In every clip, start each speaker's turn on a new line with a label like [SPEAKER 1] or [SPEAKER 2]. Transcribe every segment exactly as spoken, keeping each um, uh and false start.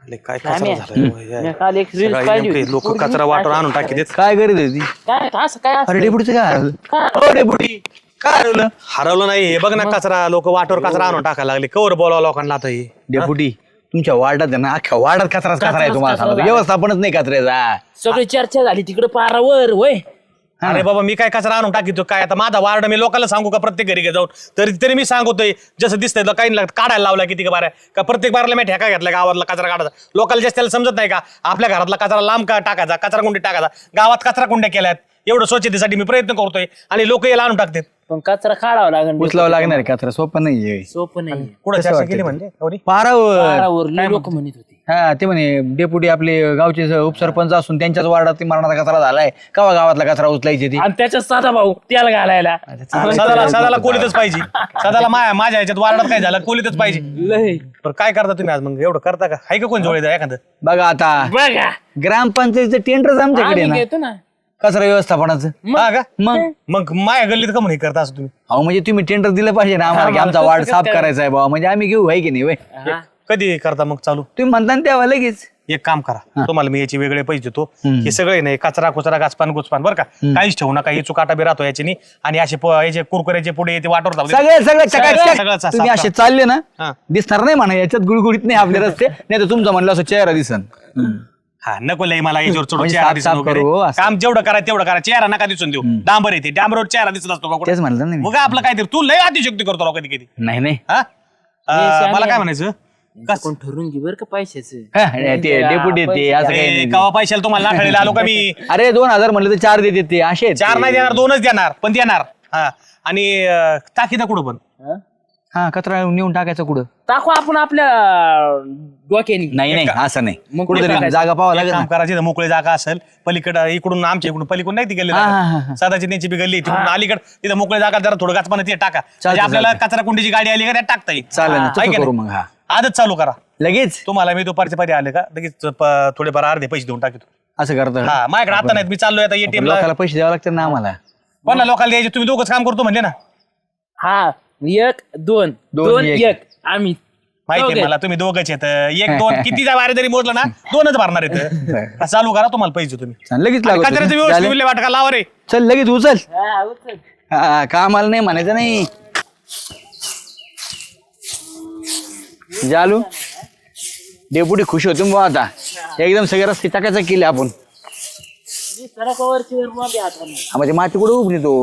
[SPEAKER 1] काय कचरा झाला
[SPEAKER 2] काल एक रील पाहिली
[SPEAKER 1] लोक कचरा वाटर आणून टाकी देत.
[SPEAKER 3] काय करीत होती
[SPEAKER 2] काय असं काय
[SPEAKER 3] अरे डेपुटीचं काय हरवलं अरे डेपुटी काय हरवलं
[SPEAKER 1] हरवलं नाही हे बघ ना कचरा लोक वाटवर कचरा आणून टाकायला लागले कवर बोलावं लोकांना आता हे
[SPEAKER 3] डेपुटी तुमच्या वार्डात आहे ना अख्ख्या वार्डात कचराच कचरा आहे तुम्हाला सांगतो व्यवस्थापनच नाही कचऱ्याचा
[SPEAKER 2] सगळी चर्चा झाली तिकडे पारावर होय.
[SPEAKER 1] अरे बाबा मी काय कचरा आणून टाकीतो काय आता माझा वार्ड मी लोकांना सांगू का प्रत्येक घरी जाऊन तरी तरी मी सांगतोय जसं दिसतंय काही काढायला लावला किती का बाऱ्या का प्रत्येक बाराला मी ठेका घेतला गावातला कचरा काढायचा लोकांना जास्त त्याला समजत नाही का आपल्या घरातला कचरा लांब का टाकायचा कचरा कुंडी टाकायचा गावात कचरा कुंड्या केल्यात एवढं स्वच्छतेसाठी मी प्रयत्न करतोय आणि लोक याला आणून टाकतात.
[SPEAKER 2] पण कचरा काढावा लागेल
[SPEAKER 3] उचलावं लागणार आहे कचरा सोपं नाही
[SPEAKER 2] सोपं नाही
[SPEAKER 1] कुठं चर्चा केली म्हणजे एवढी?
[SPEAKER 3] पारावर
[SPEAKER 2] पारावर लोक म्हणत होते
[SPEAKER 3] हा ते म्हणे डेपुटी आपले गावचे स- उपसरपंच असून त्यांच्याच वार्डात ती मरणाचा कचरा झालाय कवा गावातला कचरा उचलायची ती
[SPEAKER 2] आणि त्याच्यात साधा भाऊ त्याला घालायला
[SPEAKER 1] सदाला सदाला कोलीतच पाहिजे सदाला माझ्या माझ्या ह्याच्यात वार्डात काय झालं कोलीतच पाहिजे.
[SPEAKER 2] लय
[SPEAKER 1] पण काय करता तुम्ही आज मग एवढं करता का हाय का कोण जोडे एखादं
[SPEAKER 3] बघा आता
[SPEAKER 2] बघा
[SPEAKER 3] ग्रामपंचायतीचं टेंडरच आमच्याकडे
[SPEAKER 2] आम्ही
[SPEAKER 3] ना
[SPEAKER 2] घेतो ना
[SPEAKER 3] कचरा व्यवस्थापनाचं
[SPEAKER 1] हा का
[SPEAKER 3] मग
[SPEAKER 1] मग माझ्या गल्लीत का म्हणून हे करता असं तुम्ही
[SPEAKER 3] अहो म्हणजे तुम्ही टेंडर दिलं पाहिजे ना आम्हाला की आमचा वार्ड साफ करायचा आहे बाबा म्हणजे आम्ही घेऊ आहे की नाही वय
[SPEAKER 2] हा.
[SPEAKER 1] कधी करता मग चालू
[SPEAKER 3] तुम्ही म्हणता ना तेव्हा लगेच
[SPEAKER 1] एक काम करा तुम्हाला मी याचे वेगळे पैसे देतो हे सगळे नाही कचरा कुचरा गाचपान गुचपान बरं का काहीच ठेवू नका हे चुकाटा बी राहतो याची आणि असे प- याचे कुरकुऱ्याचे पुढे ते वाटवर जाऊ दे.
[SPEAKER 3] सगळे सगळे
[SPEAKER 1] सगळं-
[SPEAKER 3] चकाचक.
[SPEAKER 1] सगळं साफ-
[SPEAKER 3] तुम्ही
[SPEAKER 1] साफ-
[SPEAKER 3] असे चालले ना
[SPEAKER 1] हा.
[SPEAKER 3] दिसणार नाही म्हणा याच्यात गुळगुळीत नाही आपले रस्ते नाही तर तुमचं म्हणलं असं चेहरा दिसन
[SPEAKER 1] हा नको लय मला याच्यावर चढून
[SPEAKER 3] म्हणजे
[SPEAKER 1] चेहरा
[SPEAKER 3] साफ-
[SPEAKER 1] दिसून
[SPEAKER 3] साफ
[SPEAKER 1] वगैरे.
[SPEAKER 3] करू, असं.
[SPEAKER 1] काम जेवढं करा तेवढं करा चेहरा नका दिसून देऊ डांबर येते डांबरवर चेहरा दिसत असतो का कुठं?
[SPEAKER 3] तेच म्हणलं ना मी.
[SPEAKER 1] मग आपलं काय ते तू लय अतिशक्ती करतो राव कधी कधी
[SPEAKER 3] नाही नाही
[SPEAKER 1] हा अं, मला काय म्हणायचं कस
[SPEAKER 2] कोण ठरवून घे बरं का पैशाचं
[SPEAKER 3] हा, ते डेपुटी ते असं काही
[SPEAKER 1] ए,
[SPEAKER 3] नाही.
[SPEAKER 1] कवा पैशाला तुम्हाला नाठाळीला आलो का मी
[SPEAKER 3] अरे दोन हजार म्हणलं तर चार देते ते असे आहेत
[SPEAKER 1] चार
[SPEAKER 3] ते.
[SPEAKER 1] नाही देणार दोनच देणार पण देणार हा आणि अं, टाकी ना कुठं पण
[SPEAKER 2] हा?
[SPEAKER 3] हा कचरा नेऊन टाकायचं कुठं
[SPEAKER 2] टाकू आपण आपल्या डोक्यानी
[SPEAKER 3] नाही नाही असं नाही
[SPEAKER 2] मग
[SPEAKER 3] कुठं
[SPEAKER 2] कुठं
[SPEAKER 3] जागा पाहावं लागेल
[SPEAKER 1] काम
[SPEAKER 3] ना.
[SPEAKER 1] करायची मोकळी जागा असेल पलीकडे इकडून आमच्या इकडून पलीकडून नाही ती गेली
[SPEAKER 3] हा, हा, हा.
[SPEAKER 1] सदाची त्यांची बी गल्ली तिकडून अलीकडे तिथं मोकळी जागा जरा थोडं गाचपानं ते टाका म्हणजे आपल्याला कचरा कुंडीची गाडी आली का त्यात टाकता येईल
[SPEAKER 3] चालेल ना
[SPEAKER 1] आहे
[SPEAKER 3] तसं
[SPEAKER 1] की
[SPEAKER 3] करू
[SPEAKER 1] नाही?
[SPEAKER 3] मग हा
[SPEAKER 1] आजच चालू करा
[SPEAKER 3] लगेच
[SPEAKER 1] तुम्हाला मी दुपारचे पारी आले का लगेच प- थोडेफार अर्धे पैसे देऊन टाकतो
[SPEAKER 3] असं करतं
[SPEAKER 1] हा माझ्याकडे आता नाहीत मी चाललोय आता एटीएम ला
[SPEAKER 3] लोकांना पैसे द्यावे लागतात ना आम्हाला
[SPEAKER 1] पण ना लोकांना द्यायचे तुम्ही दोघंच काम करतो म्हणजे ना
[SPEAKER 2] हा एक दोन
[SPEAKER 3] दोन,
[SPEAKER 2] दोन
[SPEAKER 3] एक.
[SPEAKER 2] एक आम्ही
[SPEAKER 1] माहिती
[SPEAKER 2] दोघे.
[SPEAKER 1] आहे मला तुम्ही दोघंच येत एक दोन किती वारे जरी मोजलं ना दोनच भरणार येत चालू करा तुम्हाला पैसे तुम्ही
[SPEAKER 3] चालेल, लगेच
[SPEAKER 1] आणि
[SPEAKER 3] लागतो
[SPEAKER 1] कचऱ्याचं व्यवस्थित विल्हेवाट वाटका लावा रे
[SPEAKER 3] चल लगेच उचल
[SPEAKER 2] हा, उचल.
[SPEAKER 3] हा कामाला नाही म्हणायचं नाही जालू डेपुटी खुश होतो मग आता एकदम सगळे रस्ते टाकायचा केले आपण
[SPEAKER 2] मी सडकावरची वर मागे हाताने.
[SPEAKER 3] हा, म्हणजे माती कुठे उभली तो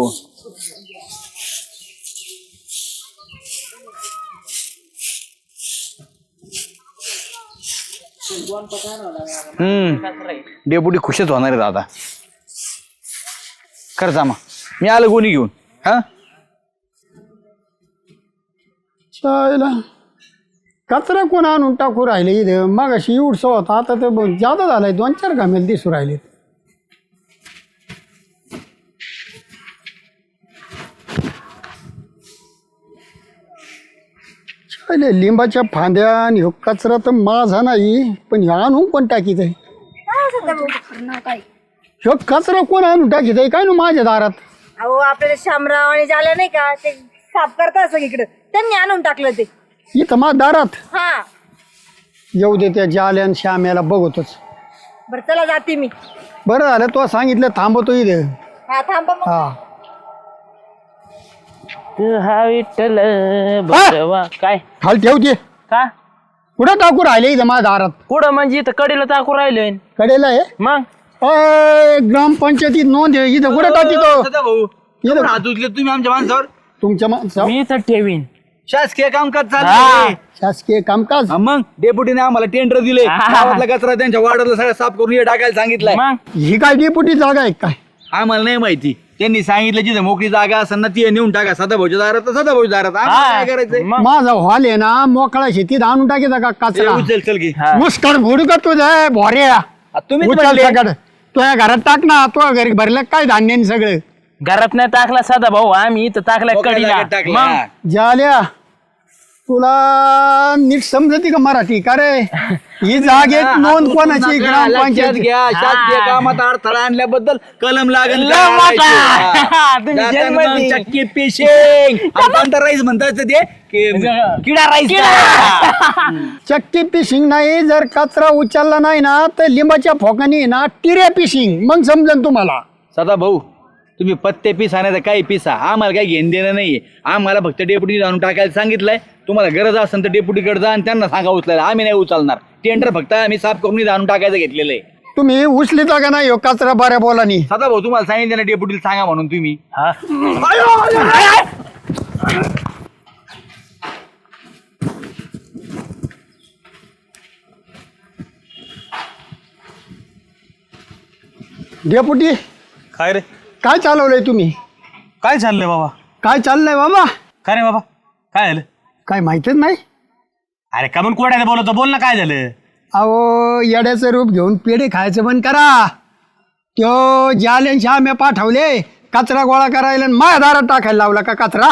[SPEAKER 3] हम्म डेपुटी खुशच होणार आहेत आता खरंच आम्हा मी आलो गोणी घेऊन हा
[SPEAKER 4] चायला कचरा कोण आणून टाकू राहिले इथं मग अशी उडसा होता आता ते ब- जादा झालाय दोन चार घामेल दिसू राहिले चायले लिंबाच्या फांद्या आणि ह्यो कचरा तर माझा नाही पण ह्यो आणून पण टाकीत आहे ह्यो कचरा कोण आणून टाकीत आहे काय ना माझ्या दारात
[SPEAKER 5] अहो आपल्याला शामराव आणि झालं नाही का ते साफ करतात सगळीकडे त्यांनी आणून टाकलं ते
[SPEAKER 4] इथं माझ्या दारात
[SPEAKER 5] हा
[SPEAKER 4] येऊ दे त्या जाल्या आणि श्याम्याला बघतोच
[SPEAKER 5] बरं चला जाते मी
[SPEAKER 4] बरं झालं तो सांगितलं थांबतो इथे
[SPEAKER 5] हा थांबा मग.
[SPEAKER 4] हा
[SPEAKER 2] तू हा विठ्ठल बसवा काय
[SPEAKER 4] खाली ठेवते
[SPEAKER 2] का
[SPEAKER 4] कुठं टाकू राहिले इथं माझ्या दारात
[SPEAKER 2] कुठं म्हणजे इथं कडीला टाकू राहिलोय
[SPEAKER 4] कडेला आहे
[SPEAKER 2] मग
[SPEAKER 4] अय, ग्रामपंचायतीत नोंद आहे इथं कुठं टाकीतो
[SPEAKER 3] भाऊ
[SPEAKER 4] इथं
[SPEAKER 3] हात उचले तुम्ही आमच्या माणसावर
[SPEAKER 4] तुमच्या माणसा
[SPEAKER 2] मी इथं ठेवीन
[SPEAKER 3] शासकीय कामकाज
[SPEAKER 2] हा.
[SPEAKER 3] चालू
[SPEAKER 4] शासकीय कामकाज
[SPEAKER 3] मग डेपुटीने आम्हाला टेंडर दिले गावातला कचरा त्यांच्या वार्डाला सगळं साफ करून हे टाकायला सांगितलंय
[SPEAKER 2] मग
[SPEAKER 4] ही काय डेपुटी जागा आहे काय
[SPEAKER 3] आम्हाला नाही माहिती त्यांनी सांगितलं जिथे मोकळी जागा असेल ना ती नेऊन टाका सदाभाऊच्या दारात तर सदाभाऊच्या दारात आम्हाला काय करायचंय
[SPEAKER 2] मग
[SPEAKER 4] माझा हॉल आहे ना मोकळा शेतीत आणून टाकीचा का
[SPEAKER 3] ए,
[SPEAKER 4] कचरा
[SPEAKER 3] उचल चल की
[SPEAKER 2] हा.
[SPEAKER 4] मुस्कड घोडू का तुझ्या भोऱ्या
[SPEAKER 3] आ, तुम्हीच
[SPEAKER 4] उचल
[SPEAKER 3] म्हणले.
[SPEAKER 4] सगळं तुझ्या घरात टाक ना तुझ्या घरी भरलं काय धान्य आणि सगळं
[SPEAKER 2] घरात नाही टाकला साधा भाऊ आम्ही इथं टाकला
[SPEAKER 3] मोकळ्या
[SPEAKER 2] कडीला
[SPEAKER 3] जागेत टाकलं,
[SPEAKER 2] मग
[SPEAKER 3] हा.
[SPEAKER 4] झाल्या तुला नीट समजती का मराठी का रे ही जागेत
[SPEAKER 3] हा,
[SPEAKER 4] नोंद
[SPEAKER 3] हात
[SPEAKER 4] कोणाची
[SPEAKER 3] उचलू नका, लक्षात
[SPEAKER 4] ग्रामपंचायत
[SPEAKER 3] घ्या शासकीय कामात अडथळा आणल्याबद्दल कलम लागेल
[SPEAKER 2] लय मोठा. तुम्ही
[SPEAKER 3] जाताना
[SPEAKER 2] जेलमध्ये.
[SPEAKER 3] मग चक्की पेशिंग राईस म्हणतात ते कि- किडा राईस का?
[SPEAKER 4] चक्की पिशिंग नाही, जर कचरा उचलला नाही ना तर लिंबाच्या फोकानी ना टिऱ्या पिशिंग, मग समजेल तुम्हाला.
[SPEAKER 3] सदा भाऊ तुम्ही पत्ते पिसा नाही तर काही पिसा, आम्हाला काही घेणं देणं नाहीये. आम्हाला फक्त डेप्युटी आणून टाकायला सांगितलंय. तुम्हाला गरज असेल तर डेप्युटीकडे जा आणि त्यांना सांगा उचलायला. आम्ही नाही उचलणार. टेंडर फक्त आम्ही साफ करून आणून टाकायचं घेतलेलं आहे.
[SPEAKER 4] तुम्ही उचलीता का नाही हो कचरा बऱ्या बोलानी?
[SPEAKER 3] सदा भाऊ तुम्हाला सांगितलं ना डेप्युटीला सांगा म्हणून तुम्ही.
[SPEAKER 2] हा
[SPEAKER 4] डेपुटी
[SPEAKER 1] काय रे
[SPEAKER 4] काय चालवलंय तुम्ही?
[SPEAKER 1] काय चाललंय बाबा?
[SPEAKER 4] काय चाललंय बाबा?
[SPEAKER 1] काय रे बाबा काय झालं?
[SPEAKER 4] काय माहितीच नाही.
[SPEAKER 1] अरे का म्हणून कोड्याने बोलवतो, बोल ना काय झालं?
[SPEAKER 4] अहो येड्याचं रूप घेऊन पेढे खायचं बंद करा. त्यो जाले श्याम्या पाठवले कचरा गोळा करायला आणि माझ्या दारात टाकायला लावला का कचरा?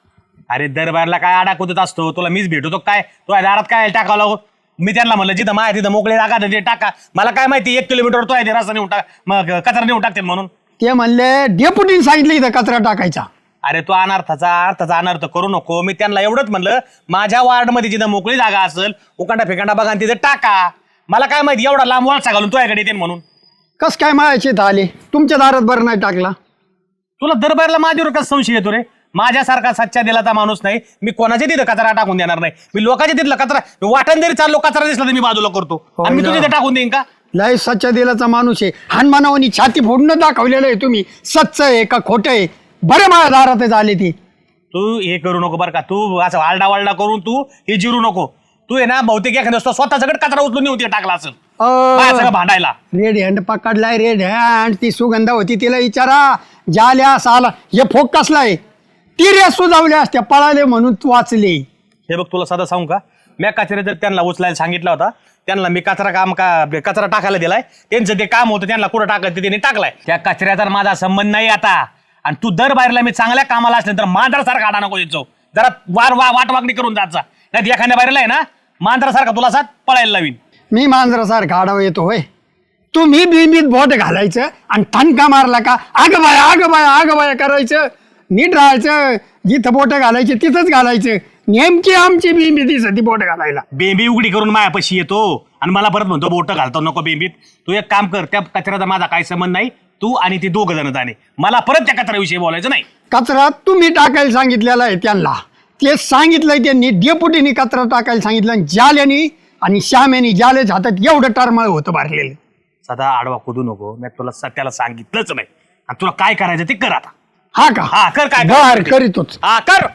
[SPEAKER 1] अरे दरबारला काय आडा कुदत असतो, तुला मीच भेटतो काय? तुझ्या दारात काय टाकावं लागो? मी त्यांना म्हणलं जिथं माया तिथं मोकळे जागा ते टाका. मला काय माहिती एक किलोमीटर तो आहे रस्ता नेऊन टाक, मग कचरा नेऊन टाकते म्हणून.
[SPEAKER 4] ते म्हणले डेपुटीने सांगितलं इथं कचरा टाकायचा.
[SPEAKER 1] अरे तू अनर्थाचा अर्थाचा अनर्थ करू नको. मी त्यांना एवढंच म्हणलं माझ्या वार्डमध्ये जिथं मोकळी जागा असेल उकांडा फेकांडा बघा आणि तिथं टाका. मला काय माहिती एवढा लांब वळसा घालून तुझ्याकडे येते म्हणून.
[SPEAKER 4] कस काय मायाचे इथं आले? तुमच्या दारात बरं नाही टाकला?
[SPEAKER 1] तुला दरबारला माझ्यावर कसं संशय येतो रे? माझ्यासारखा सच्चा दिलाचा माणूस नाही मी, कोणाच्या तिथं कचरा टाकून देणार नाही. मी लोकांच्या तिथला कचरा वाटण जरी चाललो कचरा दिसला तर मी बाजूला करतो आणि मी तुझ्या तिथं टाकून देईन का?
[SPEAKER 4] लय सच्चा दिलाचा माणूस आहे. हनुमानावनी छाती फोडणं दाखवलेलं आहे तुम्ही. सच्च आहे का खोटं आहे? बरे माझ्या दारातच आले ती.
[SPEAKER 1] तू हे करू नको बरं का. तू असं वालडा वालडा करून तू हे जिरू नको. तू आहे ना बहुतेक एखाद्या स्वतः सगळं कचरा उचलून नेऊन ते टाकला असेल माझ्या सगळं भांडायला.
[SPEAKER 4] रेड हँड पकडलाय, रेड हँड. ती सुगंधा होती तिला विचारा. जाल्या साला हे फोक कसलाय? तिऱ्या सुजावल्या असत्या, पळाले म्हणून तू वाचले.
[SPEAKER 1] हे बघ तुला साधं सांगू का, मी कचरा जर त्यांना उचलायला सांगितला होता, त्यांना मी कचरा काम का कचरा टाकायला दिलाय, त्यांचं ते काम होतं त्यांना कुठं टाकायचं त्यांनी टाकलाय. त्या कचऱ्याचा माझा संबंध नाही आता. आणि तू दर बाहेरला मी चांगल्या कामाला असले तर मांजरासारखा आडा नको यायचो. जरा वार वा वाटवागणी करून जायचा. नाही एखाद्या बाहेरला आहे ना मांजरासारखा तुला साथ पळायला लावीन.
[SPEAKER 4] मी मांजरासारखा आडावा येतो होय? तुम्ही बिंबीत बोट घालायचं आणि ठणका मारला का आग बाया आग बाया आग बाया करायचं. नीट राहायचं. जिथं बोट घालायचे तिथंच घालायचं. नेमकी आमची बिंबी दिसती बोट घालायला.
[SPEAKER 1] बेंबी उघडी करून मायापाशी येतो आणि मला परत म्हणतो बोट घालतो नको बेंबीत. तू एक काम कर, त्या कचऱ्याचा माझा काही संबंध नाही. तू आणि ती दोघ जण जाणे. मला परत त्या कचऱ्याविषयी बोलायचं नाही.
[SPEAKER 4] कचरा तुम्ही टाकायला सांगितलेला आहे त्यांना. ते सांगितलंय त्यांनी. डेपुटीने कचरा टाकायला सांगितलं आणि जाल्यानी आणि श्याम्यानी जाल्याच्या हातात एवढं टरमळ होतं भरलेलं.
[SPEAKER 1] सदा आडवा कुदू नको. मी तुला सत्याला सांगितलंच नाही. आणि तुला काय करायचं ते कर आता.
[SPEAKER 4] हा का?
[SPEAKER 1] हा कर काय
[SPEAKER 4] बर करीतोच.
[SPEAKER 1] हा कर.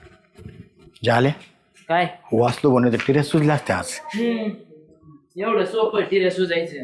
[SPEAKER 3] झाले
[SPEAKER 2] काय
[SPEAKER 3] वाचलो बनवते टिऱ्या सुजल्या असत्या आज.
[SPEAKER 2] एवढं सोपं टिऱ्या सुजायचं.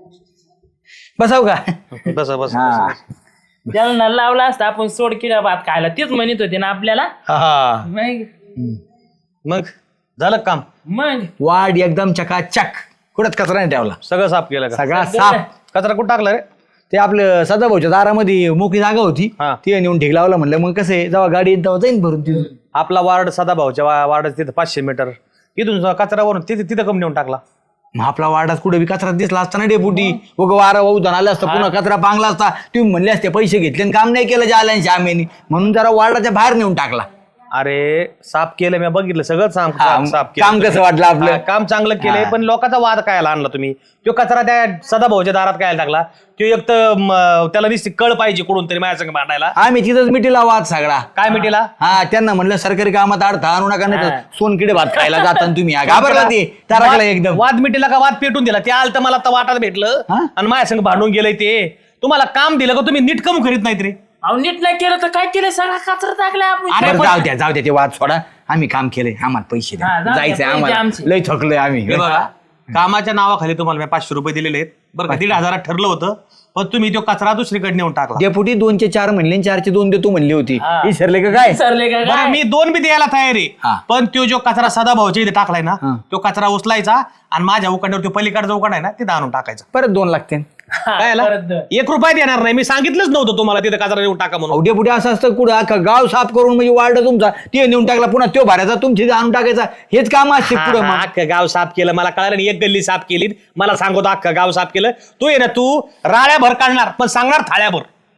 [SPEAKER 3] बसाव का?
[SPEAKER 1] बस बस
[SPEAKER 3] हा.
[SPEAKER 2] त्याला लावला असता आपण सोड किडा भात खायला. तेच म्हणत होते ना आपल्याला.
[SPEAKER 1] हा
[SPEAKER 2] मग
[SPEAKER 1] मग झालं काम.
[SPEAKER 2] मग
[SPEAKER 3] वाढ एकदम चकाचक. कुठंच कचरा नाही ठेवला.
[SPEAKER 1] सगळं साफ केलं का?
[SPEAKER 3] सगळा साफ.
[SPEAKER 1] कचरा कुठं टाकला रे?
[SPEAKER 3] ते आपलं सदाभाऊच्या दारामध्ये मोकळी जागा होती.
[SPEAKER 1] हा.
[SPEAKER 3] ती नेऊन ढीग लावला. म्हणलं मग कसं आहे जेव्हा गाडी येईल तेव्हा जाईन भरून तिथून.
[SPEAKER 1] आपला वार्ड सदाभाऊच्या वा- वार्डात तिथं पाचशे मीटर तिथून कचऱ्यावरून तिथे तिथं कम नेऊन टाकला.
[SPEAKER 3] मग आपला वार्डात कुठे बी कचरा दिसला असता ना डेपुटी. उग वारा वाहू आला असता पुन्हा कचरा पांगला असता. तुम्ही म्हणले असते पैसे घेतले आणि काम नाही केलं जाल्या श्यामेनी म्हणून जरा वार्डाच्या बाहेर नेऊन टाकला.
[SPEAKER 1] अरे साफ केलं मी बघितलं सगळं साफ
[SPEAKER 3] हा,
[SPEAKER 1] साफ केलं.
[SPEAKER 3] काम कसं वाटलं आपलं?
[SPEAKER 1] हा, काम चांगलं केलंय.
[SPEAKER 3] हा.
[SPEAKER 1] पण लोकांचा वाद काय आणला तुम्ही? तो कचरा त्या सदाभाऊच्या दारात काय टाकला? तो एक तर म, त्याला निश्चित कळ पाहिजे कुठून तरी माझ्या संग भांडायला.
[SPEAKER 3] आम्ही तिथंच मिटीला वाद सगळा.
[SPEAKER 1] काय मिटीला?
[SPEAKER 3] हा त्यांना म्हणलं सरकारी कामात अडथळा आणू नका नाही तर सोनकिडे भात खायला जाता तुम्ही. हा, घाबरला ते तारकला एकदम.
[SPEAKER 1] वाद मिटीला का वाद पेटून दिला? ते आलं तर मला तर वाटात भेटलं
[SPEAKER 3] हा?
[SPEAKER 1] आणि माझ्या संग भांडून गेलंय. ते तुम्हाला काम दिलं का तुम्ही नीट कम करीत नाहीत रे?
[SPEAKER 2] अहो नीट नाही केलं तर काय केलं? सगळा कचरा टाकला आपण.
[SPEAKER 1] अरे
[SPEAKER 3] बरं,
[SPEAKER 1] पण-
[SPEAKER 3] जाऊ द्या जाऊ द्या ते वाद सोडा. आम्ही काम केलंय. आम्हाला पैसे
[SPEAKER 2] हा,
[SPEAKER 3] द्या.
[SPEAKER 2] जाऊ द्या,
[SPEAKER 3] जायचंय
[SPEAKER 2] पैसे
[SPEAKER 3] आम्हाला.
[SPEAKER 2] आमचे.
[SPEAKER 3] लय थकलोय आम्ही.
[SPEAKER 1] हे बघा कामाच्या नावाखाली तुम्हाला मी पाचशे रुपये दिलेले आहेत बरं का. दीड हजारात ठरलं होतं पण तुम्ही तो कचरा दुसरीकडे नेऊन टाकला.
[SPEAKER 3] डेपुटी दोनचे चार म्हणले आणि चारचे दोन देतो म्हणली होती.
[SPEAKER 2] हा.
[SPEAKER 3] विसरले का काय?
[SPEAKER 2] सरले का
[SPEAKER 1] बरं
[SPEAKER 2] काय?
[SPEAKER 1] मी दोन बी द्यायला तयार आहे.
[SPEAKER 3] हा.
[SPEAKER 1] पण तो जो कचरा सदाभाऊच्या इथे टाकलाय ना
[SPEAKER 3] हा.
[SPEAKER 1] तो कचरा उचलायचा आणि माझ्या उकांड्यावर तो पलीकडचा उकांड आहे ना तिथं आणून टाकायचा.
[SPEAKER 3] परत दोन लागते.
[SPEAKER 2] हा,
[SPEAKER 1] काय आला?
[SPEAKER 2] परत दर.
[SPEAKER 1] एक रुपया देणार नाही. मी सांगितलंच नव्हतं तुम्हाला तिथे कचरा नेऊन टाका म्हणून.
[SPEAKER 3] अवडे पुढे असं असतं कुठं अख्खं गाव साफ करून म्हणजे वाढ तुमचा ते नेऊन टाकला पुन्हा तो भरायचा तुमची आणून टाकायचा. हेच काम असते
[SPEAKER 1] हा,
[SPEAKER 3] पुढे.
[SPEAKER 1] हा, अख्खं गाव साफ केलं मला कळालं नाही. एक गल्ली साफ केली मला सांगतो अख्खं गाव साफ केलं. तू ये ना तू राळ्याभर काढणार पण सांगणार थाळ्याभर.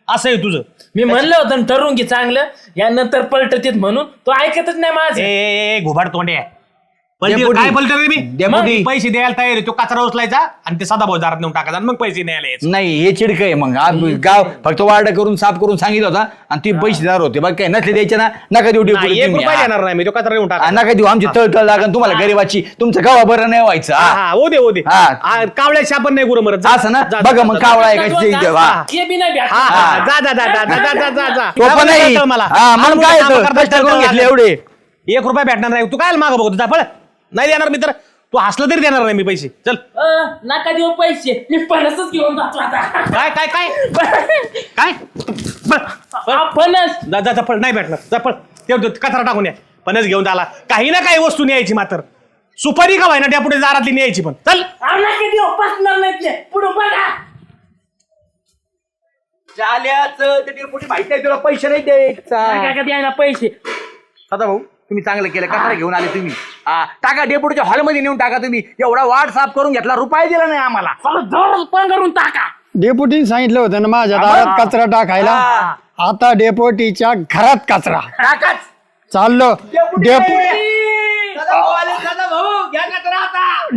[SPEAKER 1] असं आहे तुझं.
[SPEAKER 2] मी म्हणलं होतं ना, ठरवून घे चांगलं, यानंतर पलटतीत म्हणून तो ऐकतच नाही माझं.
[SPEAKER 1] ए, ए ए, घुबाड तोंडे पलटी
[SPEAKER 3] डेपुटी.
[SPEAKER 1] काय पलटी रे मी
[SPEAKER 3] डेपुटी.
[SPEAKER 1] मग पैसे द्यायला तयार आहे. तो कचरा उचलायचा आणि ते सदा भाऊ दारात नेऊन टाकायचा आणि मग पैसे न्यायला यायचे.
[SPEAKER 3] नाही हे चिडक आहे मग आज गाव फक्त वार्ड करून साफ करून सांगितलं होता आणि ती पैसेदार होते बाकी काय नसले द्यायचे ना नका देऊ
[SPEAKER 1] नाही,
[SPEAKER 3] डेपुटी
[SPEAKER 1] एक
[SPEAKER 3] तुम्ही.
[SPEAKER 1] रुपया
[SPEAKER 3] हा.
[SPEAKER 1] देणार नाही मी. तो कचरा नेऊन
[SPEAKER 3] हा,
[SPEAKER 1] टाका.
[SPEAKER 3] नका देऊ आमची तळतळ लागन तुम्हाला गरीबाची तुमचं गावा बरं नाही व्हायचं
[SPEAKER 1] हा
[SPEAKER 3] हा.
[SPEAKER 1] हा हो दे हो दे
[SPEAKER 3] हा.
[SPEAKER 1] हा, कावळ्या शापन नाही गुरु मरत. जा,
[SPEAKER 3] असं ना
[SPEAKER 1] जा,
[SPEAKER 3] बघा
[SPEAKER 1] जा,
[SPEAKER 3] मग
[SPEAKER 1] जा,
[SPEAKER 3] कावळा आहे
[SPEAKER 2] दोन
[SPEAKER 3] का
[SPEAKER 2] तास,
[SPEAKER 3] हा.
[SPEAKER 2] हे बी नाही भेटणार.
[SPEAKER 1] हा, हा, जा जा जा जा जा जा जा जा
[SPEAKER 3] तो पण नाही
[SPEAKER 1] कळतं मला.
[SPEAKER 3] हा, मग काय
[SPEAKER 1] कामं
[SPEAKER 3] येतं?
[SPEAKER 1] करता
[SPEAKER 3] कष्ट करून
[SPEAKER 1] करता
[SPEAKER 3] घेतले एवढे
[SPEAKER 1] एक रुपया भेटणार नाही. तू काय मागं बघतो जा पळ. नाही देणार मी तर तू हसलं तरी देणार नाही मी पैसे. चल
[SPEAKER 2] अं, नका देऊ पैसे, मी फणसच घेऊन जातो आता.
[SPEAKER 1] काय काय काय काय
[SPEAKER 2] हा, फणस.
[SPEAKER 1] जा जा जा पळ. नाही भेटणार जा पळ. ते ते कचरा टाकून या. पणच घेऊन आला काही ना काही वस्तू न्यायची मात्र सुपारी का व्हायना त्यापुढे दारातली न्यायची पण. चल
[SPEAKER 2] अहो, नका देऊ, पसणार नाही ते. पुढं बघा.
[SPEAKER 3] जाल्याचं ते डेपुटी माहिती आहे तुला पैसे नाही द्यायचा
[SPEAKER 2] नका का द्यायला पैसे.
[SPEAKER 3] सदा भाऊ तुम्ही चांगलं केलं कचरा घेऊन आले तुम्ही हा, टाका डेपुटीच्या हॉलमध्ये नेऊन टाका तुम्ही एवढा वार्ड साफ करून घेतला रुपये दिला नाही आम्हाला
[SPEAKER 2] चला, जोर पण करून टाका.
[SPEAKER 4] डेपुटीने सांगितलं होतं ना माझ्या दारात कचरा टाकायला. आता डेपुटीच्या घरात कचरा
[SPEAKER 3] टाकाच
[SPEAKER 4] चाललो. डेपु
[SPEAKER 3] सदा भाऊ आले, सदा भाऊ घ्या कचरा आता.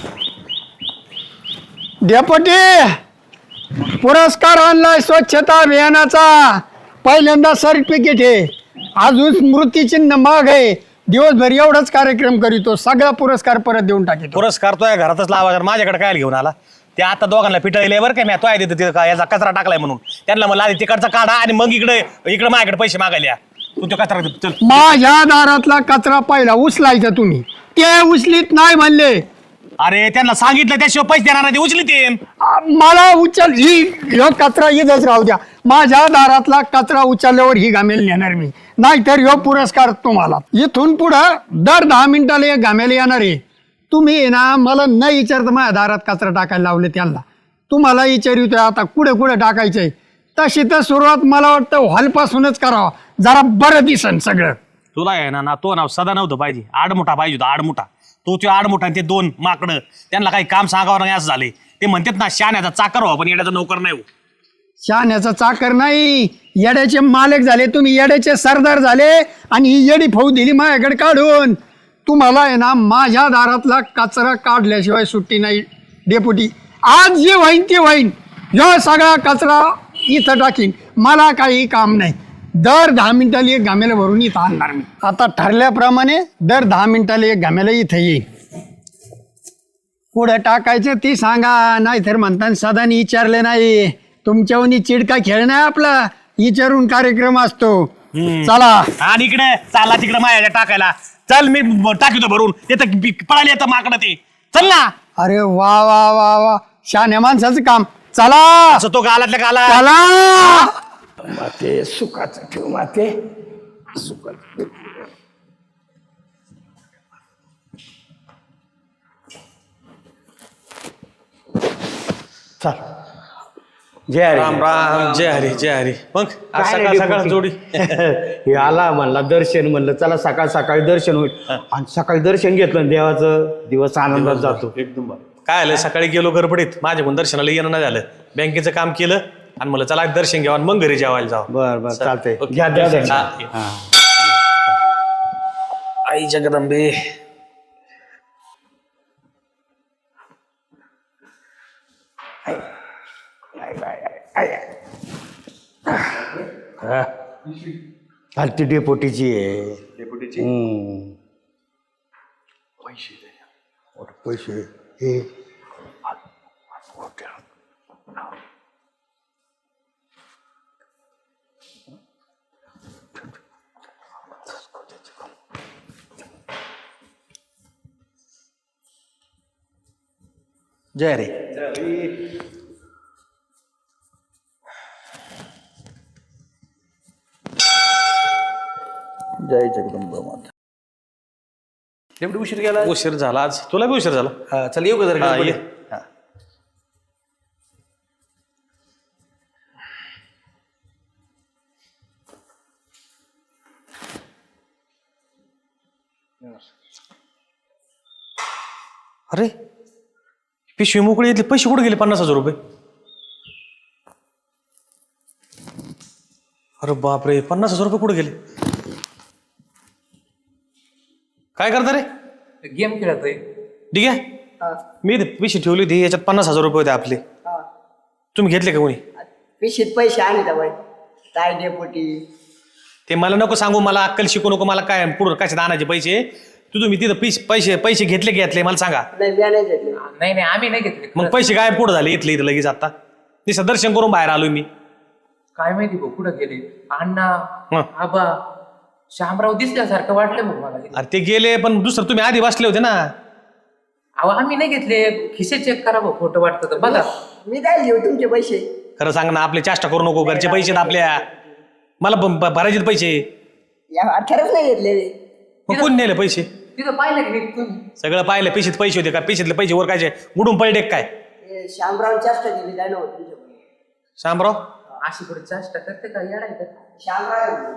[SPEAKER 4] डेपुटी पुरस्कार आणलाय स्वच्छता अभियानाचा. पहिल्यांदा सर्टिफिकेट आहे, अजून स्मृतिचिन्ह माग आहे. दिवसभर एवढाच कार्यक्रम करीतो, सगळा पुरस्कार परत देऊन टाकीतो.
[SPEAKER 1] पुरस्कार तो या घरातच लावायचा. माझ्याकडे काय घेऊन आला ते आता दोघांना पिटळले बरं काय मी तो आहे तिथं का याचा कचरा टाकलाय म्हणून त्यांना मला आधी तिकडचा काढा आणि मग इकडे इकडे माझ्याकडे पैसे मागायला या. तू तो कचरा दे. चल
[SPEAKER 4] माझ्या दारातला कचरा पहिला उचलायचा तुम्ही, ते उचलीत नाही म्हणले.
[SPEAKER 1] अरे त्यांना सांगितलं त्याशिवाय पैसे देणार नाही ते उचली ते.
[SPEAKER 4] आ, मला उचल ही ह्यो कचरा इथंच राहू द्या. माझ्या दारातला कचरा उचलल्यावर ही घामेल नेणार मी, नाहीतर ह्यो पुरस्कार तुम्हाला. इथून पुढं दर दहा मिनिटाला एक घामेल येणार आहे. तुम्ही ना मला न विचारता माझ्या दारात कचरा टाकायला लावले त्यांना. तुम्हाला विचारितोय आता कुठे कुठे टाकायचंय. तशी तर सुरुवात मला वाटतं हॉलपासूनच करावं, जरा बरं दिसन सगळं.
[SPEAKER 1] तुला आहे ना ना तो नाव सदा नव्हतं पाहिजे. आडमुठा पाहिजे होता आडमुठा. तो ते आडमुठा आणि ते दोन माकडं त्यांना काही काम सांगावं नाही असं झाले. ते म्हणतात ना शाण्याचा चाकर व्हा पण येण्याचा नोकर नाही हो.
[SPEAKER 4] शहाण्याचा चाकर नाही, येड्याचे मालक झाले तुम्ही, येड्याचे सरदार झाले आणि ही येडी फौज दिली माझ्याकडे काढून. तुम्हाला आहे ना माझ्या दारातला कचरा काढल्याशिवाय सुट्टी नाही डेपुटी. आज जे होईन ते होईन, ह्यो सगळा कचरा इथं टाकीन, मला काही काम नाही. दर दहा मिनिटाला एक घामेला भरून इथं आणणार मी. आता ठरल्याप्रमाणे दर दहा मिनिटाला एक घामेला इथं येईल. पुढं टाकायचं ती सांगा, नाही तर म्हणताना सदानी विचारले नाही. तुमच्यावनी चिडका खेळ नाही आपला, विचारून कार्यक्रम असतो. चला
[SPEAKER 1] आणि इकडे चाला तिकडे माझ्या टाकायला. चल मी ब- टाकीतो भरून. येतं पी- पळाली येतं माकडं ते. चल ना
[SPEAKER 4] अरे वा वा वा वा, शहाण्या माणसाचं काम. चला
[SPEAKER 1] असं तो गालातल्या गाला.
[SPEAKER 4] चला माते सुखाचं ठेव माते सुखाचं.
[SPEAKER 6] चल जय हरी.
[SPEAKER 1] राम राम जय हरी जय हरी. मग आज
[SPEAKER 6] काय
[SPEAKER 1] सकाळ
[SPEAKER 6] नाही
[SPEAKER 1] सकाळ
[SPEAKER 6] डेपुटी.
[SPEAKER 1] जोडी
[SPEAKER 6] हे आला म्हणला दर्शन म्हणलं चला सकाळ सकाळी दर्शन होईल आणि सकाळी दर्शन घेतलं आणि देवाचं दिवस आनंदात जातो एकदम
[SPEAKER 1] काय आलं सकाळी गेलो गडबडीत माझ्याकडून दर्शनाला येणं नाही झालं. बँकेचं काम केलं आणि मला चला दर्शन घ्यावं आणि मग घरी जेवायला जावं.
[SPEAKER 6] बर बर चालतंय
[SPEAKER 1] ओके.
[SPEAKER 6] घ्या दर्शन.
[SPEAKER 1] हा, ये.
[SPEAKER 6] हा.
[SPEAKER 1] आई जगदंबे.
[SPEAKER 6] आणि ती डेपोटीची आहे डेपोटीची पैसे पैसे हे जय रे जय जगदंबा माता. डेपुटी उशीर गेला
[SPEAKER 1] उशीर झाला आज. तुला बी उशीर झाला.
[SPEAKER 6] हा, चल येऊ का जरा
[SPEAKER 1] हा,
[SPEAKER 6] गडबड
[SPEAKER 1] ये.
[SPEAKER 6] आहे. हा.
[SPEAKER 1] अरे पिशवी मोकळी येतली. पैसे कुठे गेले? पन्नास हजार रुपये. अरे बापरे, पन्नास हजार रुपये कुठे गेले? काय करता रे?
[SPEAKER 7] गेम खेळतोय.
[SPEAKER 1] ठीक आहे, मी इथे पिशी ठेवली होती, याच्यात पन्नास हजार रुपये होते आपले. तुम्ही घेतले का कोणी?
[SPEAKER 8] पिशीत पैसे आले तर बाई काय डेपुटी.
[SPEAKER 1] ते मला नको सांगू, मला अक्कल शिकू नको, मला काय पुढं कशात आणायचे पैसे. तू तुम्ही तिथं पैसे पैसे पैसे घेतले की घेतले मला सांगा.
[SPEAKER 8] नाही मी नाही घेतले.
[SPEAKER 7] नाही नाही आम्ही नाही घेतले.
[SPEAKER 1] मग पैसे काय पुढे झाले इथले इथं लगेच? आता निसं दर्शन करून बाहेर आलोय मी.
[SPEAKER 7] काय माहिती भाऊ कुठं गेले अण्णा
[SPEAKER 1] हं.
[SPEAKER 7] आबा शामराव दिसल्यासारखं वाटलं भाऊ मला.
[SPEAKER 1] अरे ते गेले, पण दुसरं तुम्ही आधी बसले होते ना.
[SPEAKER 7] अहो आम्ही नाही घेतले. खिसे चेक करा भाऊ, खोटं वाटतं तर बघा.
[SPEAKER 8] मी काय घेऊ तुमचे पैसे.
[SPEAKER 1] खरं सांग ना, आपले चेष्टा करू नको. घरचे पैसे आहेत आपल्या, मला ब- ब- भरायचे पैसे.
[SPEAKER 8] या अठराच नाही घेतले.
[SPEAKER 1] मग कोण नेले पैसे?
[SPEAKER 7] तिथं पाहिलं की नाही तुम्ही?
[SPEAKER 1] सगळं पाहिलं. पिशीत पैसे होते का? पिशीतले पैसे वर काय बुडून पडले काय?
[SPEAKER 8] हे शामराव जास्त गेली काय नव्हतं.
[SPEAKER 1] शामराव
[SPEAKER 7] अशी पुढे चेष्टा करते का येडायचं?
[SPEAKER 8] शामराव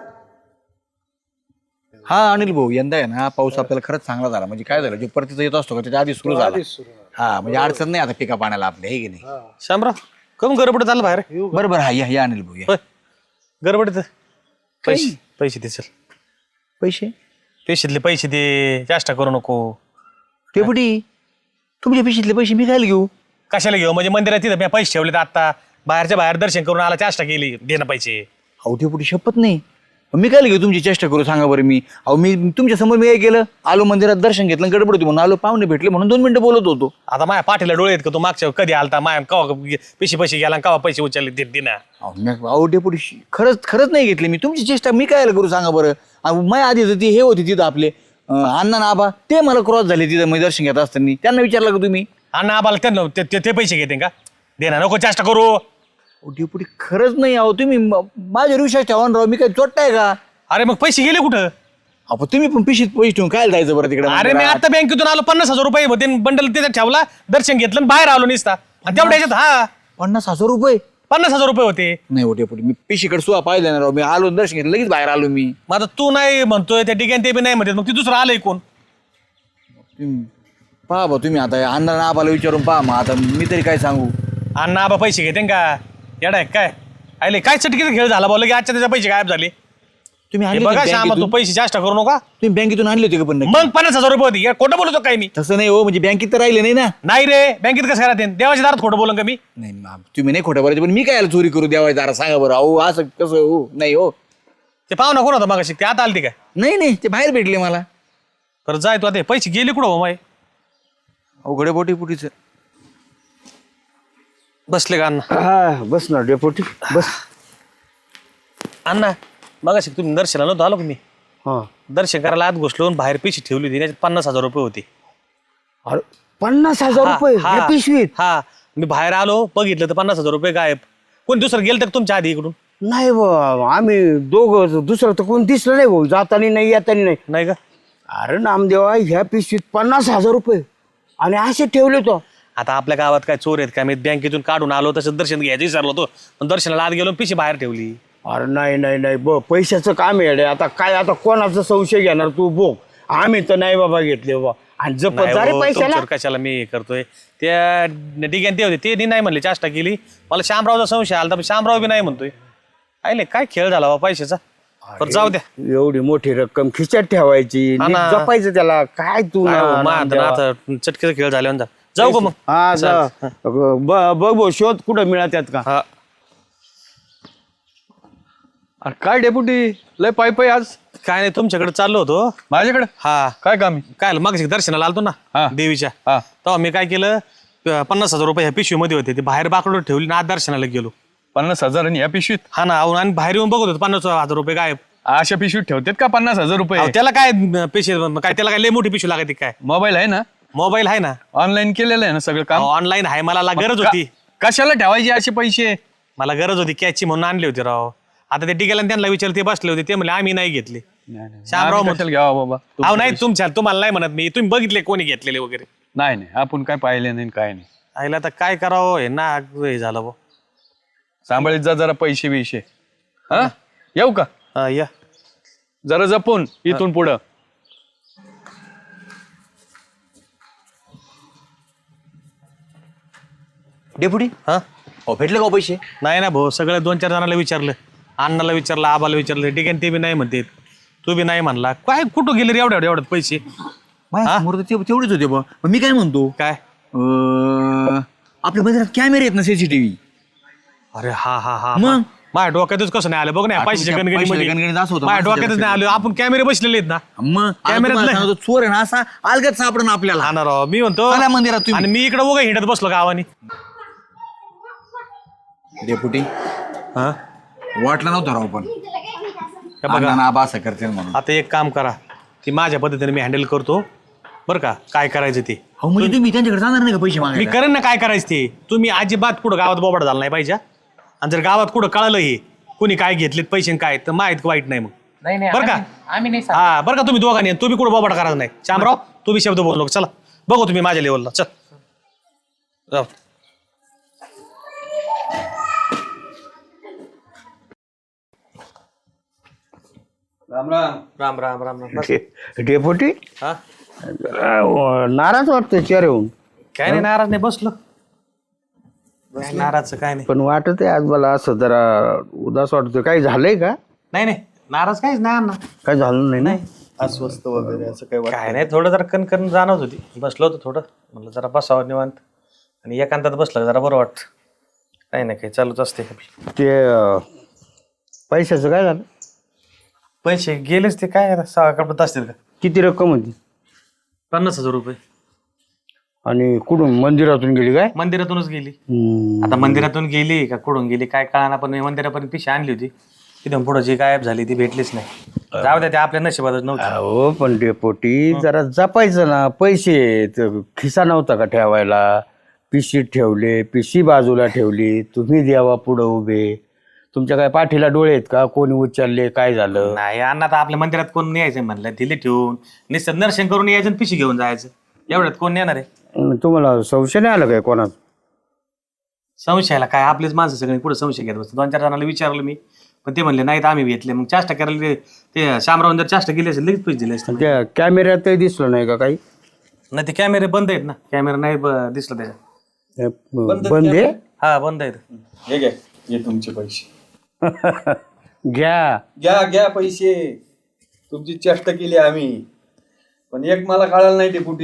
[SPEAKER 3] हा अनिल भाऊ, यंदा आहे ना पाऊस आपल्याला खरंच चांगला झाला. म्हणजे काय झालं, जो परतीचा येत असतो का त्याच्या आधी सुरू झाला. हा म्हणजे अडचण नाही आता पिका पाण्याला आपल्या, हे की नाही.
[SPEAKER 1] शामराव कम गडबड चाललं बाहेर?
[SPEAKER 3] बरोबर हा या या अनिल भाऊ या.
[SPEAKER 1] होय, गडबड पैसे पैसे दे चल.
[SPEAKER 3] पैसे
[SPEAKER 1] पिशीतले पैसे दे, चेष्टा करू नको.
[SPEAKER 3] डेपुटी तुमच्या पिशीतले पैसे मी काय घेऊ?
[SPEAKER 1] कशाला घेऊ? म्हणजे मंदिरात तिथं मी पैसे ठेवले आता, बाहेरच्या बाहेर दर्शन करून आला, चेष्टा केली, दे ना पैसे.
[SPEAKER 3] अहो डेपुटी शपथ नाही, मी काय घेऊ तुमची चेष्टा करू सांगा बरं. मी अहो मी तुमच्या समोर मी काय केलं, आलो मंदिरात दर्शन घेतलं, गडबड होती म्हणून आलो, पाहुणे भेटले म्हणून दोन मिनिटं बोलत होतो.
[SPEAKER 1] आता माझ्या पाठीला डोळे आहेत का? तू मागच्या कधी आलता माया कवा पिशी पैसे गेला, कवा पैसे उचलले ते दिना.
[SPEAKER 3] अहो मी- अहो डेपुटी खरंच खरंच नाही घेतले मी तुमची चेष्टा. मी काय करू सांगा बरं. अहो, माझ्या आधी होती हे होती तिथं आपले अं, अण्णा ना आबा, ते मला क्रॉस झाले तिथं मी दर्शन घेत असताना. त्यांना विचारलं का तुम्ही?
[SPEAKER 1] अण्णा आबाला त्यांना ते- ते ते पैसे घेते का? दे ना, नको चेष्टा करू.
[SPEAKER 3] अहो, डेपुटी खरंच नाही. अहो तुम्ही म- माझ्यावर विश्वास ठेवा ना राव, मी काय चोट्टाय का?
[SPEAKER 1] अरे मग पैसे गेले कुठं?
[SPEAKER 3] अहो तुम्ही पण पिशीत पैसे ठेवून काय जायचं बरं तिकडे?
[SPEAKER 1] अरे मी आता बँकेतून आलो, पन्नास हजार रुपये होते, बंडल तिथे ठेवला, दर्शन घेतलं आणि बाहेर आलो निसता. आणि तेवढ्या ह्याच्यात हा
[SPEAKER 3] पन्नास हजार रुपये
[SPEAKER 1] पन्नास हजार रुपये होते.
[SPEAKER 3] नाही हो डेपुटी, मी पिशीकडे सुद्धा पाहिलं ना राव. मी आलो दर्शन घेतलं लगेच बाहेर आलो मी.
[SPEAKER 1] मग आता तू नाही म्हणतोय, त्या ठिकाणी ते बी नाही म्हणते, मग ती दुसरं आलंय कोण?
[SPEAKER 3] तुम्ही पहा बा, तुम्ही आता अण्णा आबाला विचारून पहा. मग आता मी तरी काय सांगू?
[SPEAKER 1] अण्णा आबा पैसे घेते का? येडा आहे काय? आले काय चटकीचा खेळ झाला बोल की आजच्या त्याच्या पैसे गायब झाले.
[SPEAKER 3] तुम्ही
[SPEAKER 1] हे
[SPEAKER 3] आणले
[SPEAKER 1] बघा
[SPEAKER 3] होते
[SPEAKER 1] श्यामा, तू
[SPEAKER 3] बँकेतून?
[SPEAKER 1] पैसे जास्त करू नका.
[SPEAKER 3] तुम्ही बँकेतून आणले होते का पण नक्की?
[SPEAKER 1] मग पन्नास हजार रुपये होते. या खोटं बोलतो काय मी?
[SPEAKER 3] तसं नाही हो, म्हणजे बँकेत तर राहिले नाही ना.
[SPEAKER 1] नाही रे, बँकेत कसं राहते? देवाच्या दारात खोटं बोलून का मी?
[SPEAKER 3] नाही मा- तुम्ही नाही खोटं बोलायचं, पण मी काय याला चोरी करू द्यावाय जरा सांगा बरं. अहो असं कसं हो? नाही हो.
[SPEAKER 1] ते पाहुणा कोण होता मग? ते आता आलती काय?
[SPEAKER 3] नाही नाही, ते बाहेर भेटले मला.
[SPEAKER 1] बरं जाय तू, आता पैसे गेले कुठं हो माय?
[SPEAKER 3] अवघडे बोटी पुटीच.
[SPEAKER 1] बसले का अण्णा?
[SPEAKER 6] हा बस ना डेपुटी बस.
[SPEAKER 1] अण्णा बघा तुम्ही दर्शनाला नव्हतं आलो का मी?
[SPEAKER 6] हा
[SPEAKER 1] दर्शन करायला आत घुसलो आणि बाहेर पिशी ठेवली होती, त्याच्यात पन्नास हजार रुपये होते.
[SPEAKER 6] अरे पन्नास हजार
[SPEAKER 1] हा,
[SPEAKER 6] रुपये
[SPEAKER 1] हा,
[SPEAKER 6] या पिशवीत?
[SPEAKER 1] हा, मी बाहेर आलो, बघितलं तर पन्नास हजार रुपये गायब. कोण दुसरं गेलं तर तुमच्या आधी इकडून?
[SPEAKER 6] नाही बा, आम्ही दोघं, दुसरं तर कोण दिसलं नाही भाऊ, जातानी नाही येतानी नाही.
[SPEAKER 1] नाही का?
[SPEAKER 6] अरे नामदेवा, ह्या पिशवीत पन्नास हजार रुपये आणि असे ठेवले तो.
[SPEAKER 1] आता आपल्या गावात काय चोर आहेत का? मी बँकेतून काढून आलो, तसं दर्शन घ्यायचं विचारलो होतो, पण दर्शनाला आत गेलो, पिशी बाहेर ठेवली.
[SPEAKER 6] अरे नाही नाही नाही ब पैशाचं काम आहे रे. आता काय, आता कोणाचा संशय घेणार तू? बोग आम्ही तर नाही बाबा घेतले बाबा. आणि जपत
[SPEAKER 1] नाही
[SPEAKER 6] जा रे
[SPEAKER 1] हो,
[SPEAKER 6] पैशाला.
[SPEAKER 1] तुमच्यावर कशाला मी हे करतोय? त्या डिग्यान ते होते, ते नाही म्हणले, चेष्टा केली. मला शामरावचा संशय आला, तर शामराव बी नाही म्हणतोय. आले काय खेळ झाला बा पैशाचा. बरं जाऊ द्या.
[SPEAKER 6] एवढी मोठी रक्कम खिशात ठेवायची,
[SPEAKER 1] हा
[SPEAKER 6] नीट
[SPEAKER 1] ना.
[SPEAKER 6] जपायचं त्याला. काय तू
[SPEAKER 1] काय
[SPEAKER 6] ना-
[SPEAKER 1] हो, मा-
[SPEAKER 6] नामदेवा.
[SPEAKER 1] आता आता चटकेचा खेळ झाल्यावर जा. जाऊ का मग?
[SPEAKER 6] हा जा. ब- बघ भाऊ, शोध कुठं मिळतात का?
[SPEAKER 1] हा.
[SPEAKER 9] अरे काय डेपुटी लय पाय पाय आज
[SPEAKER 1] काय नाही, तुमच्याकडे चाललो होतो.
[SPEAKER 9] माझ्याकडे
[SPEAKER 1] हा
[SPEAKER 9] काय काम आहे?
[SPEAKER 1] काय मग दर्शनाला आलतो ना
[SPEAKER 9] हा.
[SPEAKER 1] देवीच्या,
[SPEAKER 9] हा.
[SPEAKER 1] तेव्हा मी काय केलं, प- पन्नास हजार रुपये ह्या पिशवीमध्ये होते, ते बाहेर बाकडून ठेवली ना, आत दर्शनाला गेलो.
[SPEAKER 9] पन्नास हजार आणि या पिशवीत?
[SPEAKER 1] हा ना, अहो, आणि बाहेर येऊन बघत होतो पन्नास हजार रुपये गायब.
[SPEAKER 9] अशा पिशवीत ठेवतात का पन्नास हजार रुपये?
[SPEAKER 1] अहो, त्याला काय पिशवी काय, त्याला काय लय मोठी पिशवी लागते काय?
[SPEAKER 9] मोबाईल आहे ना?
[SPEAKER 1] मोबाईल आहे ना,
[SPEAKER 9] ऑनलाईन केलेलं आहे ना सगळं काम?
[SPEAKER 1] ऑनलाईन आहे. मला ला- गरज
[SPEAKER 9] का-
[SPEAKER 1] होती,
[SPEAKER 9] कशाला ठेवायचे असे पैसे?
[SPEAKER 1] मला गरज होती कॅचची म्हणून आणले होते राव. आता ते टिकेला त्यांना विचारले, ते बसले होते, ते म्हणले आम्ही नाही घेतले. शामराव
[SPEAKER 9] आम्ही कशाला घ्यावा बाबा? तू-
[SPEAKER 1] अहो नाही, तुमच्या तुम्हाला नाही म्हणत मी, तुम्ही बघितले कोणी घेतलेले वगैरे.
[SPEAKER 9] नाही नाही, आपण काय पाहिले नाही काय नाही.
[SPEAKER 1] आईला आता काय करावं, हे ना हे झालं भाऊ.
[SPEAKER 9] सांभाळीत जा जरा पैसे बिशे. हा येऊ का?
[SPEAKER 1] हा, या.
[SPEAKER 9] जरा जपून इथून पुढं.
[SPEAKER 3] डेपुटी
[SPEAKER 1] हा
[SPEAKER 3] अहो भेटले का हो पैसे?
[SPEAKER 1] नाही ना भाऊ, सगळं दोन चार जणांना विचारलं, अण्णाला विचारलं आबाला विचारलं ठीक आहे ते बी नाही म्हणते तू बी नाही म्हणला काय कुठं गेले रे एवढ्या एवढ्यात पैसे
[SPEAKER 3] माझ्या समोर तर ते- तेवढेच होते बा मग मी काय म्हणतो
[SPEAKER 1] काय
[SPEAKER 3] अं, आपल्या मंदिरात कॅमेरे आहेत ना सीसीटीव्ही
[SPEAKER 1] अरे हा हा हा
[SPEAKER 3] मग?
[SPEAKER 1] माझ्या डोक्यातच कसं नाही आलं बघ ना पैशाच्या
[SPEAKER 3] पैशाच्या
[SPEAKER 1] गणगणीमध्ये
[SPEAKER 3] गणगणीत असं होतं,
[SPEAKER 1] माझ्या डोक्यातच
[SPEAKER 3] माणसाच्या
[SPEAKER 1] नाही आलं आपण कॅमेरे बसलेले आहेत ना
[SPEAKER 3] मग
[SPEAKER 1] कॅमेऱ्यात
[SPEAKER 3] कॅमेऱ्यात
[SPEAKER 1] नाही.
[SPEAKER 3] चोर आहे ना असा अलगत सापडून आपल्याला
[SPEAKER 1] हा ना राव मी म्हणतो
[SPEAKER 3] चला मंदिरात तुम्ही.
[SPEAKER 1] आणि मी इकडे उगा हिंडत बसलो गावानी
[SPEAKER 3] डेपुटी
[SPEAKER 1] हा
[SPEAKER 3] वाटलं नव्हतं राव पण
[SPEAKER 1] हे बघा
[SPEAKER 3] अण्णा आबा असं करते म्हणून
[SPEAKER 1] आता एक काम करा ती माझ्या पद्धतीने मी हँडल करतो बरं का काय करायचं ते
[SPEAKER 3] हो म्हणजे तुम्ही त्यांच्याकडे जाणार नाही का पैसे
[SPEAKER 1] मी
[SPEAKER 3] मागायला
[SPEAKER 1] करेन ना काय करायचं ते तुम्ही अजिबात कुठं गावात बोबाड झाला नाही पाहिजे आणि जर गावात कुठं कळलं हे कुणी काय घेतलेत पैसे आणि काय तर माहित वाईट नाही मग
[SPEAKER 7] नाही नाही
[SPEAKER 1] बरं का?
[SPEAKER 7] आम्ही- आम्ही नाही सांगत.
[SPEAKER 1] हा बरं का तुम्ही दोघांनी आणि तुम्ही कुठं बोबाड करायचं नाही शामराव तुम्ही शब्द बोललो चला बघू तुम्ही माझ्या लेवलला चल जाऊ.
[SPEAKER 9] राम राम
[SPEAKER 1] राम राम राम राम बस.
[SPEAKER 6] डेपुटी
[SPEAKER 1] हा
[SPEAKER 6] नाराज वाटतं चेहरे होऊन
[SPEAKER 1] काय नाही नाराज नाही बसलो काय नाराजचं काय नाही
[SPEAKER 6] पण वाटत आहे आज मला असं जरा उदास वाटतं काही झालंय का
[SPEAKER 1] नाही नाही नाराज काहीच नाही अण्णा
[SPEAKER 6] काय झालं नाही ना
[SPEAKER 9] अस्वस्थ वगैरे असं काही
[SPEAKER 1] काय नाही थोडं जरा कणकण जाणवत होती बसलो होतो थोडं म्हणलं जरा बसावं निवांत आणि एकांतात बसलं जरा बरं वाटतं काही नाही काही चालूच असते
[SPEAKER 6] ते अं, पैशाचं काय झालं
[SPEAKER 1] पैसे गेलेच ते काय आता सहा कपडत असतील का
[SPEAKER 6] किती रक्कम होती
[SPEAKER 1] पन्नास हजार रुपये
[SPEAKER 6] आणि कुठून मंदिरातून गेली काय
[SPEAKER 1] मंदिरातूनच गेली
[SPEAKER 6] हम्म.
[SPEAKER 1] आता मंदिरातून गेली का कुठून गेली काय कळाना पण मी मंदिरापर्यंत पिशी आणली होती तिथून पुढं जी गायब झाली ती भेटलीच नाही जाऊ द्या ते आपल्या नशिबातच नव्हतं
[SPEAKER 6] हो पण डेपोटी जरा जपायचं ना पैसे त- खिसा नव्हता का ठेवायला पिशीत ठेवले पिशी बाजूला ठेवली तुम्ही द्यावा पुढं उभे तुमच्या काय पाठीला डोळे आहेत का कोणी उचलले काय झालं
[SPEAKER 1] नाही अण्णा आता आपल्या मंदिरात कोण नाही यायचं म्हणलं दिले ठेवून नुसतं दर्शन करून यायचं आणि पिशी घेऊन जायचं एवढ्यात कोण येणार आहे
[SPEAKER 6] अं, तुम्हाला संशय नाही आला काय कोणाचा
[SPEAKER 1] संशयाला काय आपलेच माणसं सगळे पुढे संशय घेत बसतो दोन चार जणांना विचारलं मी पण ते म्हणले नाहीत आम्ही घेतले मग चाष्टा करायला ते- ते शामराव जर चाष्टा केली असेल लगेच पैसे दिले असते
[SPEAKER 6] त्या कॅमेऱ्यातही दिसलं नाही का काही
[SPEAKER 1] नाही ते कॅमेरे बंद आहेत ना कॅमेरा नाही ब- दिसला त्याच्यात
[SPEAKER 6] हे, ब- बंद आहे
[SPEAKER 1] हा बंद आहेत
[SPEAKER 9] हे घ्या हे तुमचे पैसे
[SPEAKER 6] घ्या
[SPEAKER 9] घ्या घ्या पैसे तुमची चेष्टा केली आम्ही पण एक मला कळालं नाही डेपुटी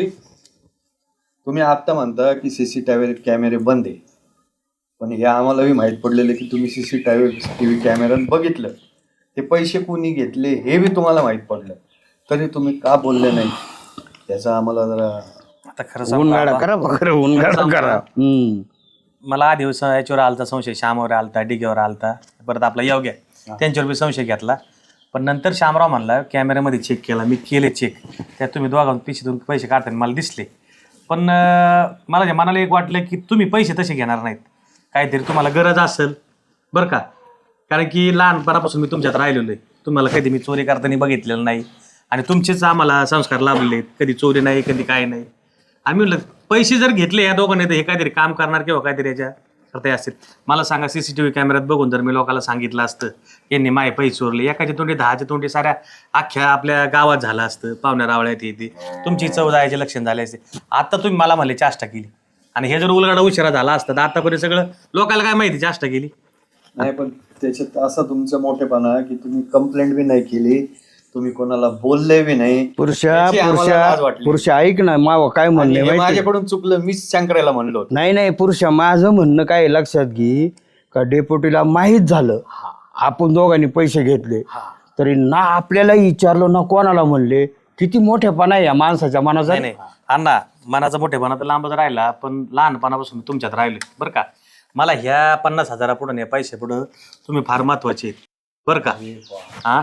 [SPEAKER 9] तुम्ही आत्ता म्हणता की सीसीटीव्ही कॅमेरे बंद आहे पण हे आम्हालाही माहीत पडलेलं की तुम्ही सीसीटीव्ही टी व्ही कॅमेऱ्यात बघितलं ते पैसे कोणी घेतले हे बी तुम्हाला माहीत पडलं तरी तुम्ही का बोलले नाही त्याचा आम्हाला जरा
[SPEAKER 1] आता खरं सांगू
[SPEAKER 6] उनगाडा
[SPEAKER 1] बाबा,
[SPEAKER 6] करा खरं उनगाडा करा हम्म.
[SPEAKER 1] मला आधी याच्यावर आलता संशय श्यामावर आलता डिगेवर आलता परत आपला योग्य त्यांच्यावर बी संशय घेतला पण नंतर श्यामराव म्हणला कॅमेऱ्यामध्ये चेक केला मी केले चेक त्यात तुम्ही दोघांना पिशीतून पैसे काढताना मला दिसले पण अं, मला जे मनाला एक वाटलं की तुम्ही पैसे तसे घेणार नाहीत काहीतरी तुम्हाला गरज असेल बरं का कारण की लहानपणापासून मी तुमच्यात राहिलेलो आहे तुम्हाला कधी मी चोरी करताना बघितलेलं नाही आणि तुमचेच आम्हाला संस्कार लाभलेले आहेत कधी चोरी नाही कधी काय नाही आम्ही म्हणलं पैसे जर घेतले या दोघांनी तर हे काहीतरी काम करणार किंवा काहीतरी याच्या करता असतील मला सांगा सीसीटीव्ही कॅमेऱ्यात बघून जर मी लोकांना सांगितलं असतं यांनी माय पैसे चोरले एकाचे तोंडी दहाचे तोंडी साऱ्या अख्ख्या आपल्या गावात झालं असतं पाहुण्या रावळ्यात येते तुमची चव जायचे लक्षण झाले असते आता तुम्ही मला म्हणले चाष्टा केली आणि हे जर उलगडा उशिरा झाला असता तर आतापर्यंत सगळं लोकांना काय माहिती चाष्टा केली
[SPEAKER 9] नाही पण त्याच्यात असा तुमचा मोठेपणा की तुम्ही कंप्लेंट बी नाही केली तुम्ही कोणाला बोलले बी नाही
[SPEAKER 6] पुरुषा
[SPEAKER 9] याची आम्हाला लाज
[SPEAKER 6] पुरुषा
[SPEAKER 9] वाटली.
[SPEAKER 6] पुरुषा ऐक ना माव काय
[SPEAKER 9] आणि
[SPEAKER 6] म्हणणे
[SPEAKER 9] हे
[SPEAKER 6] माहिती
[SPEAKER 9] माझ्याकडून चुकलं मीच शंकरायला म्हणलो होतो
[SPEAKER 6] नाही नाही पुरुषा माझं म्हणणं काय आहे लक्षात घे का डेप्युटीला माहीत झालं आपण दोघांनी पैसे घेतले तरी ना आपल्याला विचारलं ना कोणाला म्हणले किती मोठेपणा आहे या माणसाच्या मनाचा
[SPEAKER 1] नाही नाही अण्णा मनाचा मोठेपणा तर लांबच राहिला पण लहानपणापासून मी तुमच्यात राहिलो बरं का मला ह्या पन्नास हजारा पुढं या पैसे पुढं तुम्ही फार महत्वाचे आहेत बरं का हा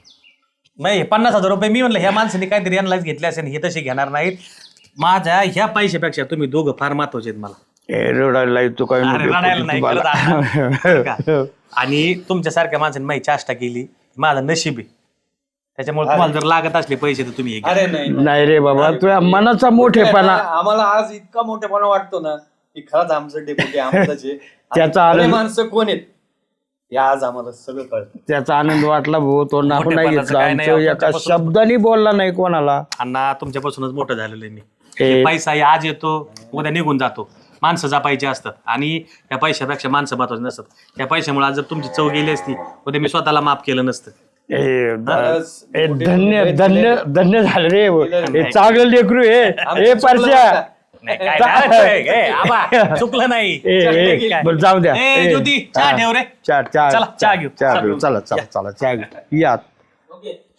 [SPEAKER 1] नाही पन्नास हजार रुपये मी म्हणलं ह्या माणसाने काहीतरी अनलाईज घेतले असेल हे तसे घेणार नाहीत माझ्या ह्या पैशापेक्षा तुम्ही दोघं फार महत्वाचे आहेत मला
[SPEAKER 6] ए, रडायला येतो काय
[SPEAKER 1] अरे रडायला नाही
[SPEAKER 6] तुम्हाला.
[SPEAKER 1] खरंच अण्णा. बरं का? आणि तुमच्यासारख्या माणसाने माझी चाष्टा केली माझं नशीब आहे त्याच्यामुळे तुम्हाला जर लागत असले पैसे तर तुम्ही हे घ्या.
[SPEAKER 9] अरे नाही
[SPEAKER 6] नाही रे बाबा तुझ्या मनाचा मोठेपणा
[SPEAKER 9] आम्हाला आज इतका मोठेपणा वाटतो ना की खरंच आमचं डेप्युटी आमचं
[SPEAKER 6] त्याचा आनंद-
[SPEAKER 9] माणसं कोण आहेत हे आज आम्हाला सगळं कळतं
[SPEAKER 6] त्याचा आनंद वाटला भाऊ तो नाव नाही
[SPEAKER 1] मोठेपणाचं
[SPEAKER 6] घेतला
[SPEAKER 1] काय नाही,
[SPEAKER 6] आमचं एका
[SPEAKER 1] तुमच्यापासून-
[SPEAKER 6] शब्दाने बोलला नाही कोणाला
[SPEAKER 1] अण्णा तुमच्यापासूनच मोठं झालेलं आहे मी
[SPEAKER 6] हे-
[SPEAKER 1] हे पैसा हे आज येतो उद्या निघून जातो माणसं जपायची असतात आणि त्या पैशापेक्षा माणसं महत्वाची नसतात. त्या पैशामुळे आज जर तुमची चव गेली असती उद्या मी स्वतःला माफ केलं नसतं.
[SPEAKER 4] ए, द- ए, धन्य धन्य धन्य झालं रे हे चांगलं लेकरू हे ए परश्या
[SPEAKER 1] नाही, काय नाही, ए, आबा, चुकलं नाही.
[SPEAKER 4] ए, ए, बरं, जाऊ द्या
[SPEAKER 1] ए,
[SPEAKER 4] ए,
[SPEAKER 1] ज्योती, चहा
[SPEAKER 4] हा.
[SPEAKER 1] ठेव रे.
[SPEAKER 4] चहा चहा
[SPEAKER 1] चला, चहा घेऊ.
[SPEAKER 4] चहा
[SPEAKER 1] चला.
[SPEAKER 4] घेऊ चला चला चला चहा घेऊ या